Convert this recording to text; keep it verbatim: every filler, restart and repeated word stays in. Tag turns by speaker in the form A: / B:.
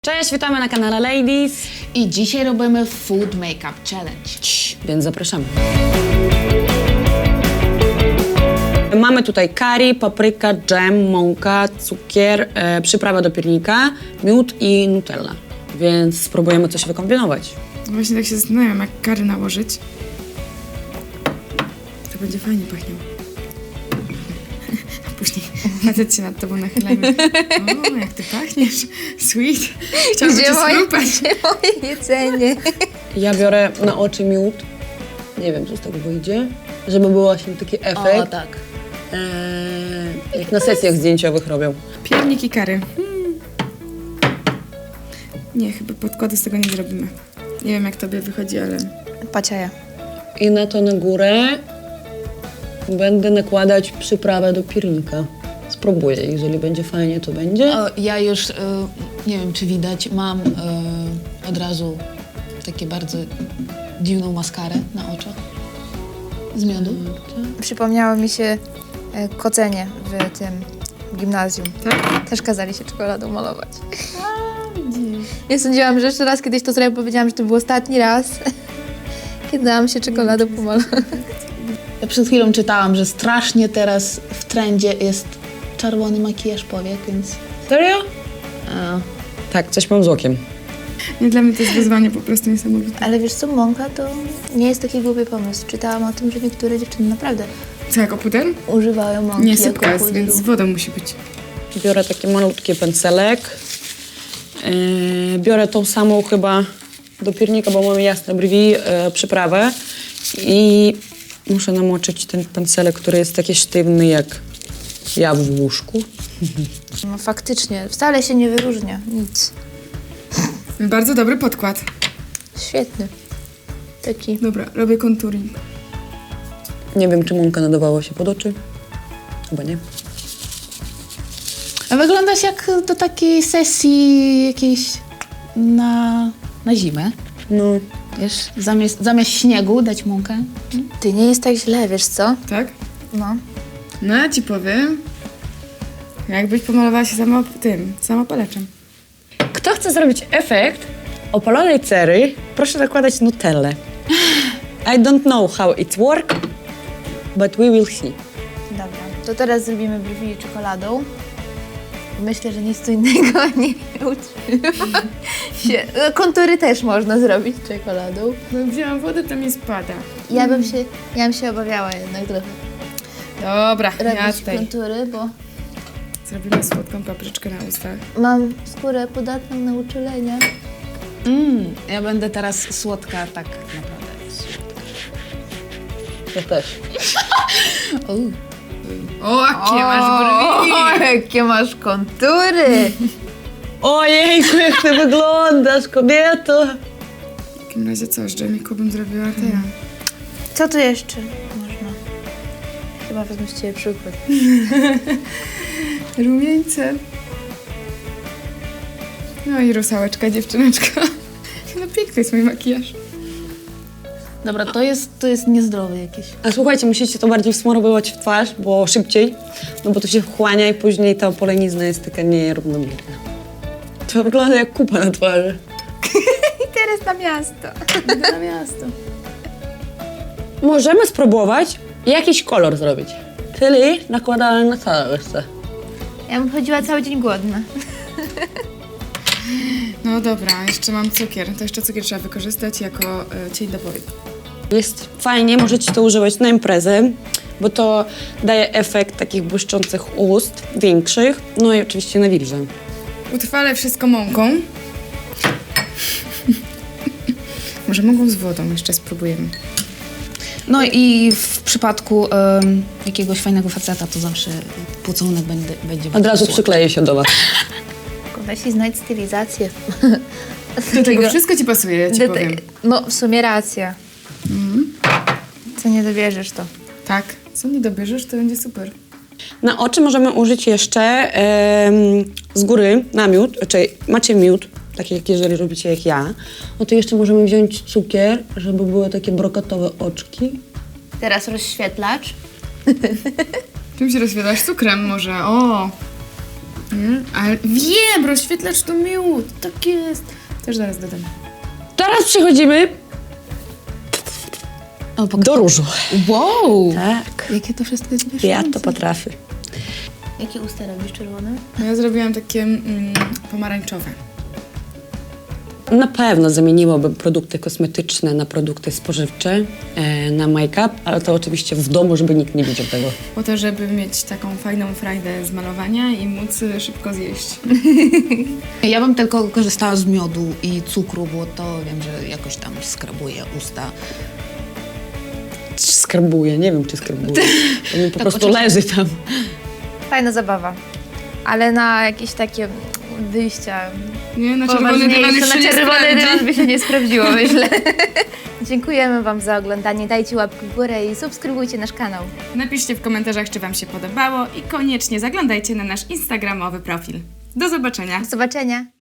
A: Cześć, witamy na kanale Ladies
B: i dzisiaj robimy Food Makeup Challenge.
A: Cii, więc zapraszamy. Mamy tutaj curry, papryka, dżem, mąka, cukier, e, przyprawa do piernika, miód i nutella. Więc spróbujemy coś wykombinować.
C: Właśnie tak się zastanawiam, jak curry nałożyć. To będzie fajnie pachniało. Później facet się nad tobą nachylajmy. O, jak ty pachniesz. Sweet. Chciałabym cię schrupać.
D: Gdzie moje jedzenie?
A: Ja biorę na oczy miód. Nie wiem, co z tego wyjdzie. Żeby był właśnie taki efekt.
B: O, tak.
A: E, jak na sesjach zdjęciowych robią.
C: Piernik i curry. Hmm. Nie, chyba podkładu z tego nie zrobimy. Nie wiem, jak tobie wychodzi, ale...
D: Paciaja.
A: I na to na górę będę nakładać przyprawę do piernika. Spróbuję, jeżeli będzie fajnie, to będzie.
B: O, ja już, y, nie wiem czy widać, mam y, od razu takie bardzo dziwną maskarę na oczach z miodu.
D: Przypomniało mi się e, kocenie w tym gimnazjum.
C: Tak?
D: Też kazali się czekoladą malować. Ja sądziłam, że jeszcze raz kiedyś to zrobię, powiedziałam, że to był ostatni raz, kiedy dałam się czekoladą pomalować.
B: Ja przed chwilą czytałam, że strasznie teraz w trendzie jest czerwony makijaż powiek, więc...
A: Serio?
B: A,
A: Tak, coś mam z okiem.
C: Nie, dla mnie to jest wyzwanie po prostu niesamowite.
D: Ale wiesz co, mąka to nie jest taki głupi pomysł. Czytałam o tym, że niektóre dziewczyny naprawdę
C: Co, jako puder?
D: używają mąki
C: Nie,
D: jako
C: sypka jest,
D: pudru.
C: więc z wodą musi być.
A: Biorę taki malutki pędzelek. Yy, biorę tą samą chyba do piernika, bo mam jasne brwi, yy, przyprawę. I muszę namoczyć ten pędzelek, który jest taki sztywny jak ja w łóżku.
D: No faktycznie, wcale się nie wyróżnia, nic.
C: Bardzo dobry podkład.
D: Świetny. Taki.
C: Dobra, robię contouring.
A: Nie wiem, czy mąka nadawała się pod oczy. Chyba nie.
B: A wyglądasz jak do takiej sesji jakiejś na, na zimę.
A: No,
B: Wiesz, zamiast, zamiast śniegu dać mąkę.
D: Ty, nie jest tak źle, wiesz co?
C: Tak?
D: No.
C: No, ja ci powiem. Jakbyś pomalowała się sama tym, samopalaczem.
A: kto chce zrobić efekt opalonej cery, proszę nakładać nutellę. I don't know how it works, but we will see.
D: Dobra, to teraz zrobimy brwi czekoladą. Myślę, że nic tu innego nie utrzyma się. Kontury też można zrobić czekoladą.
C: No, wzięłam wodę, to mi spada.
D: Ja bym się, ja bym się obawiała jednak trochę
C: Dobra, ja
D: robić
C: tutaj
D: kontury, bo
C: zrobimy słodką papryczkę na ustach.
D: mam skórę podatną na uczulenia.
B: Mm, ja będę teraz słodka, tak naprawdę.
A: Ja też.
C: O, jakie masz brwi!
D: O, jakie masz kontury!
A: Ojejku, jak ty wyglądasz, kobieto!
C: W takim razie co, z dżemiku bym zrobiła to ja.
D: Co tu jeszcze można? Chyba wezmę z ciebie przykład.
C: Rumieńce. No i rusałeczka, dziewczyneczka. No piękny jest mój makijaż.
B: Dobra, to jest, to jest niezdrowe jakieś.
A: A słuchajcie, musicie to bardziej wsmarowywać w twarz, bo szybciej, no bo to się wchłania i później ta polenizna jest taka nierównomierna. To wygląda jak kupa na twarzy.
D: I teraz na miasto.
B: Na miasto.
A: Możemy spróbować jakiś kolor zrobić. Czyli nakładamy na całe jeszcze.
D: Ja bym chodziła cały dzień głodna.
C: No dobra, jeszcze mam cukier. To jeszcze cukier trzeba wykorzystać jako y, cień do powiek.
A: Jest fajnie, możecie to używać na imprezę, bo to daje efekt takich błyszczących ust, większych, no i oczywiście na wilże.
C: Utrwalę wszystko mąką. Może mąką z wodą jeszcze spróbujemy.
B: No i w przypadku em, jakiegoś fajnego faceta to zawsze pocałunek będzie, będzie
A: Od razu
B: bardzo słodki.
A: przykleję się do was.
D: Weź i znajdź stylizację.
C: Do tego wszystko ci pasuje, ja ci
D: Do te-
C: powiem.
D: No, w sumie racja. Co nie dobierzesz to.
C: Tak, co nie dobierzesz, to będzie super.
A: Na oczy możemy użyć jeszcze em, z góry namiód, czyli macie miód, taki jak jeżeli robicie jak ja, no to jeszcze możemy wziąć cukier, żeby były takie brokatowe oczki.
D: Teraz rozświetlacz.
C: Czym się rozświetlasz? Cukrem może, o! Nie? Ale wiem, rozświetlacz to miód. Tak jest. Też zaraz dodam.
A: Teraz przechodzimy
B: O, pok-
A: do różu.
B: Wow!
A: Tak.
B: Jakie to wszystko jest
A: Ja
B: mieszające.
A: to potrafię.
D: Jakie usta robisz czerwone?
C: No ja zrobiłam takie mm, pomarańczowe.
A: Na pewno zamieniłabym produkty kosmetyczne na produkty spożywcze, e, na make-up, ale to oczywiście w domu, żeby nikt nie widział tego.
C: Po to, żeby mieć taką fajną frajdę z malowania i móc y, szybko zjeść.
B: Ja bym tylko korzystała z miodu i cukru, bo to wiem, że jakoś tam skrabuje usta.
A: Skarbuję, nie wiem czy skarbuję. To mi po
B: Tak,
A: prostu
B: oczywiście.
A: leży tam.
D: Fajna zabawa. Ale na jakieś takie wyjścia
C: Nie, na czerwony dywan
D: poważniejsze,
C: już się
D: na
C: nie
D: czerwony
C: sprawdzi.
D: dywan by się nie sprawdziło, myślę. Dziękujemy Wam za oglądanie. Dajcie łapkę w górę i subskrybujcie nasz kanał.
C: Napiszcie w komentarzach, czy Wam się podobało i koniecznie zaglądajcie na nasz instagramowy profil. Do zobaczenia!
D: Do zobaczenia.